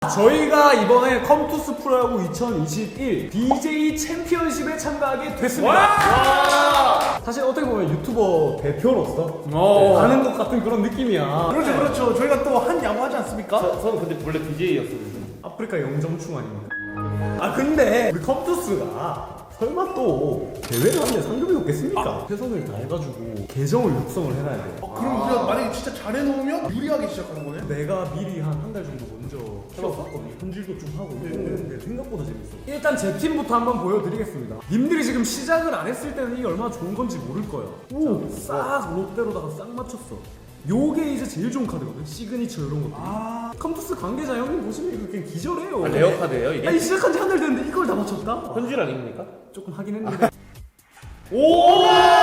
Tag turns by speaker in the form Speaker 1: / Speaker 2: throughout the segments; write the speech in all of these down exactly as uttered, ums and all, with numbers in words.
Speaker 1: 저희가 이번에 컴투스 프로야구 이천이십일 비제이 챔피언십에 참가하게 됐습니다. 와! 사실 어떻게 보면 유튜버 대표로서 네, 하는 것 같은 그런 느낌이야.
Speaker 2: 그렇죠, 그렇죠. 저희가 또 한 야구 하지 않습니까?
Speaker 3: 저, 저는 근데 원래 비제이였었는데.
Speaker 1: 아프리카 영점충 아닙니까? 아 근데 우리 컴투스가 설마 또 대회를 하는데 상금이 없겠습니까? 아. 최선을 다해가지고 계정을 육성을 해놔야 돼.
Speaker 2: 어, 그럼 우리가 만약에 진짜 잘해놓으면 유리하게 시작하는 거네?
Speaker 1: 내가 미리 한 한 달 정도 먼저 키워봤거든요. 손질도 좀 하고 했는데 생각보다 재밌어. 일단 제 팀부터 한번 보여드리겠습니다. 님들이 지금 시작을 안 했을 때는 이게 얼마나 좋은 건지 모를 거예요. 오, 싹 롯데로다가 싹 맞췄어. 요게 이제 제일 좋은 카드거든. 시그니처 이런 것들. 아, 컴투스 관계자 형님 보시면 이거 그냥 기절해요.
Speaker 3: 아, 레어 카드예요 이게?
Speaker 1: 아니 시작한 지 한 달 됐는데 이걸 다 맞췄다?
Speaker 3: 현질 아닙니까?
Speaker 1: 조금 하긴 했는데.
Speaker 3: 오!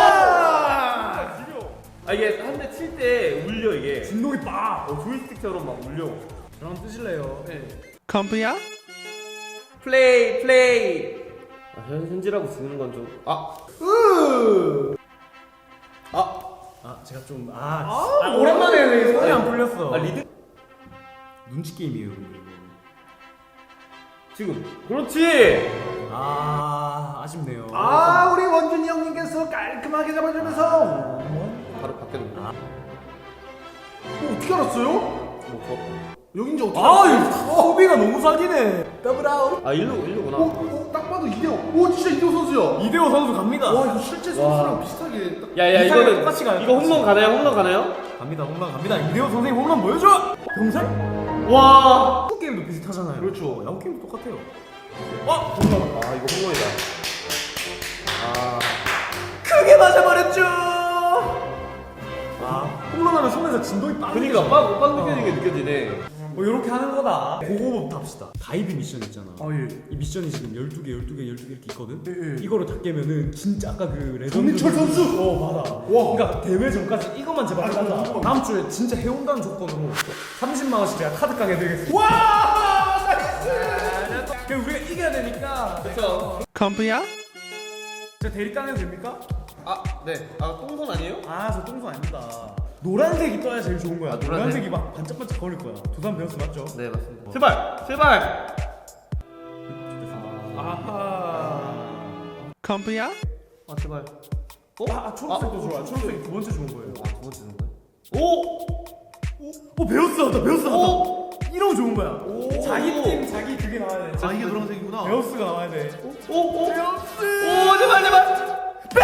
Speaker 3: 아 이게 한 대 칠 때 울려 이게.
Speaker 1: 진동이 빡!
Speaker 3: 어, 조이스틱처럼 막 울려.
Speaker 1: 저랑 뜨실래요?
Speaker 3: 네.
Speaker 4: 컴프야?
Speaker 3: 플레이 플레이. 아, 현 현질하고 지는 건 좀. 아.
Speaker 1: 으!
Speaker 3: 아.
Speaker 1: 아 제가 좀 아, 아 오랜만에 손이 안 풀렸어.
Speaker 3: 아 리드.
Speaker 1: 눈치 게임이에요 근데 이거.
Speaker 3: 지금. 그렇지.
Speaker 1: 아 아쉽네요.
Speaker 2: 아, 우리 원준이 형님께서 깔끔하게 잡아주면서.
Speaker 3: 바로 바뀌었는데.
Speaker 1: 아.
Speaker 2: 어, 어떻게 알았어요?
Speaker 3: 뭐
Speaker 2: 여긴지 어떻게
Speaker 1: 아
Speaker 2: 알았어요?
Speaker 1: 이거 소비가 너무 사기네. 더블 아웃.
Speaker 3: 저. 아 일루 일루구나.
Speaker 2: 어, 어, 딱 봐도 이대호. 오, 진짜 이대호 선수야.
Speaker 1: 이대호 선수 갑니다.
Speaker 2: 와, 이거 실제 선수랑 비슷하게 딱.
Speaker 3: 야야
Speaker 1: 이상하게
Speaker 3: 이거는
Speaker 1: 똑같이 가요,
Speaker 3: 이거 홈런 가나요? 홈런 가나요?
Speaker 1: 갑니다 홈런 갑니다. 이대호 선생님 홈런 보여줘. 병살?
Speaker 3: 와.
Speaker 1: 야구 게임도 비슷하잖아요.
Speaker 2: 그렇죠.
Speaker 1: 야구 게임도 똑같아요.
Speaker 3: 아 이거 홈런이다. 아.
Speaker 1: 크게 맞아버렸죠. 아 홈런하면 손에서 진동이 빵.
Speaker 3: 그니까 빵, 빵 느껴지는 게 느껴지네.
Speaker 1: 뭐 이렇게 하는 거다. 그거부터 합시다. 다이빙 미션 있잖아.
Speaker 2: 아, 예.
Speaker 1: 이 미션이 지금 열두 개, 열두 개, 열두 개 이렇게 있거든?
Speaker 2: 예, 예.
Speaker 1: 이거를 다 깨면은 진짜 아까 그 레전드
Speaker 2: 정민철 선수!
Speaker 1: 어 맞아. 와 그러니까 대회 전까지 이것만 제발 하자. 다음 주에 진짜 해온다는 조건으로 삼십만 원씩 제가 카드 가게 해드리겠습니다.
Speaker 2: 와! 나이스!
Speaker 1: 그럼 우리가 이겨야 되니까
Speaker 3: 그쵸.
Speaker 4: 컴프야?
Speaker 1: 제가 대립당 해도 됩니까?
Speaker 3: 아, 네. 아, 똥손 아니에요?
Speaker 1: 아 저 똥손 아닙니다. 노란색이 떠야 제일 좋은 거야.
Speaker 3: 아, 노란색?
Speaker 1: 노란색이 막 반짝반짝 거릴 거야. 두산 베어스 맞죠?
Speaker 3: 네, 맞습니다. 제발! 제발!
Speaker 1: 아하.
Speaker 4: 컴프야?
Speaker 3: 아, 제발. 어?
Speaker 1: 아 초록색도 좋아. 초록색이 두 번째 좋은 거예요.
Speaker 3: 아, 두 번째 주는 거야? 오!
Speaker 1: 오 베어스 나왔다. 베어스 나왔다.
Speaker 3: 오!
Speaker 1: 이러면 좋은 거야.
Speaker 3: 오.
Speaker 1: 자기 팀 자기 그게 나와야 돼.
Speaker 2: 아, 이게 노란색이구나.
Speaker 1: 베어스가 나와야 돼.
Speaker 3: 오! 오! 베어스! 오, 제발, 제발!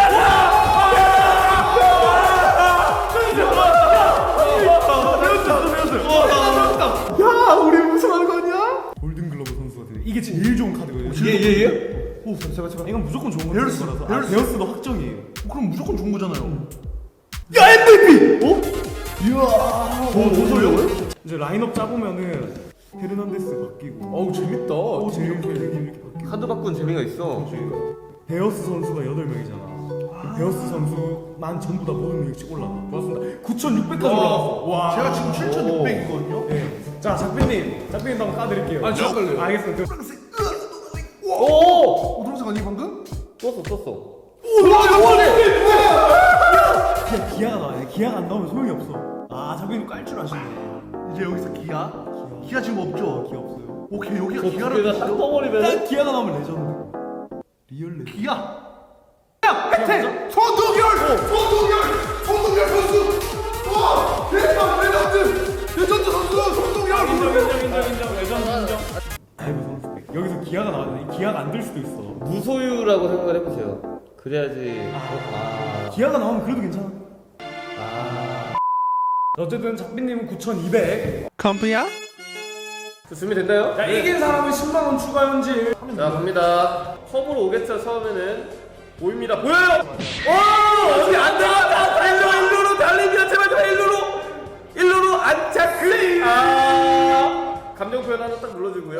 Speaker 1: 야 우리 우승하는 거 아니야? 골든글러브 선수가 되네. 이게 제일 좋은 카드거든요.
Speaker 3: 예, 예, 예?
Speaker 1: 오 제발 제발. 이건 무조건 좋은 거.
Speaker 2: 베어스,
Speaker 1: 거라서. 아,
Speaker 2: 베어스.
Speaker 1: 베어스도 확정이에요.
Speaker 2: 어, 그럼 무조건 좋은 거잖아요.
Speaker 1: 야 엠브이피! 어?
Speaker 2: 이야. 어, 뭐 소리야?
Speaker 1: 이제 라인업 짜보면은 헤르난데스 바뀌고.
Speaker 2: 어우, 재밌다.
Speaker 1: 오 제일 이렇게 이렇게 바뀌고.
Speaker 3: 카드 바꾼 재미가 있어.
Speaker 1: 베어스 선수가 여덟 명이잖아. 베어스 선수만 전부 다 모든 명씩 올라가. 맞습니다. 구천육백까지 올라갔어. 와.
Speaker 2: 제가 지금 칠천육백이거든요.
Speaker 1: 네. 자 작빈님, 작빈님 한번 까드릴게요.
Speaker 2: 아, 저 깔래요.
Speaker 1: 알겠습니다.
Speaker 3: 오!
Speaker 2: 어, 노란색 아니 방금?
Speaker 3: 떴어, 떴어.
Speaker 2: 오, 나이스!
Speaker 1: 기아, 기아가 나와야 돼. 기아가 안 나오면 소용이 없어. 아 작빈님 깔 줄 아시네.
Speaker 2: 이제 여기서 기아? 기아 지금 없죠?
Speaker 1: 기아 없어요.
Speaker 2: 오케이, 여기가
Speaker 3: 저
Speaker 2: 기아를
Speaker 3: 두개다 딱
Speaker 2: 보시죠?
Speaker 3: 떠버리면.
Speaker 1: 딱 기아가 나오면 레전드. 리얼 레전드.
Speaker 2: 기아! 야! 혜택! 손동열! 손동열! 손동열 선수! 와! 대박! 레전드! 레전드 선수! 손동열!
Speaker 1: 인정 인정 인정 인정 레전드 인정. 아이고 선수. 여기서 기아가 나와야 돼. 기아가 안 될 수도 있어.
Speaker 3: 무소유라고 생각을 해보세요. 그래야지. 아.
Speaker 1: 기아가 나오면 그래도 괜찮아.
Speaker 3: 아.
Speaker 1: 어쨌든 작빈님은 구천이백.
Speaker 4: 컴프야?
Speaker 3: 자, 준비됐나요?
Speaker 1: 자 이긴 사람은 십만 원 추가 현질.
Speaker 3: 자, 갑니다. 컵으로 오겠죠, 처음에는. 보입니다. 보여요! 오! 어떻게 안 들어갔다! 일루, 일루로 달립니다. 제발, 제발, 일루로! 일루로 안착! 아! 감정 표현 하나 딱 눌러주고요.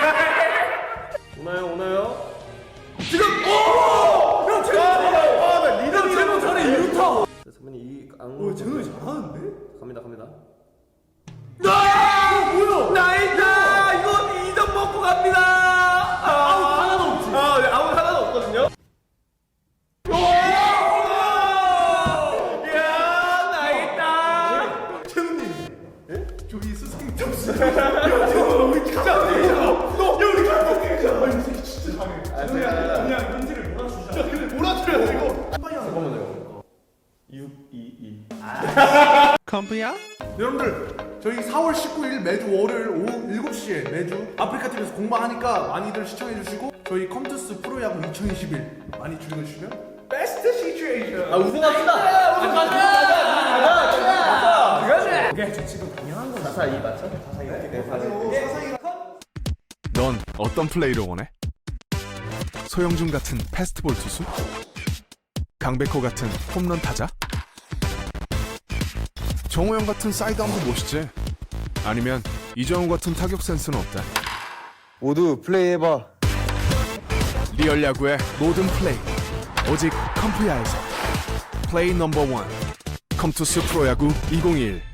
Speaker 3: 오나요, 오나요? 지금! 오! 형, 지금! 아, 나 리듬이
Speaker 1: 최고 잘해 이루타.
Speaker 3: 선배님, 이 악.
Speaker 1: 오 재능이 잘하는데?
Speaker 3: 갑니다, 갑니다.
Speaker 1: 아 뭐야?
Speaker 3: 나이다! 이건 이 점 먹고 갑니다! 아,
Speaker 1: 아웃 하나도 없지.
Speaker 3: 아, 네, 아웃 하나도 없거든요. 이야, 나이다!
Speaker 2: 저희 스승 점수. 야, 우리 진짜
Speaker 3: 육 이 이.
Speaker 4: 컴프야?
Speaker 2: 여러분들 저희 사월 십구일 매주 월요일 오후 일곱 시에 매주 아프리카티비에서 공방하니까 많이들 시청해주시고 저희 컴투스 프로야구 이천이십일 많이 즐겨주시면 베스트 시츄에이션
Speaker 3: 아 우승합시다. 우승 가자. 가자. 가자. 가자.
Speaker 1: 그게 저 지금 당연한 거죠.
Speaker 3: 사사 이 맞죠? 사사 이. 네, 사사 이.
Speaker 5: 넌 어떤 플레이를 원해? 소영준 같은 패스트볼 투수? 강백호 같은 홈런 타자? 정우영 같은 사이드암도 멋있지? 아니면 이정우 같은 타격 센스는 어때?
Speaker 6: 모두 플레이해봐.
Speaker 5: 리얼 야구의 모든 플레이 오직 컴프야에서 플레이 넘버 원 컴투스 프로야구 이천이십일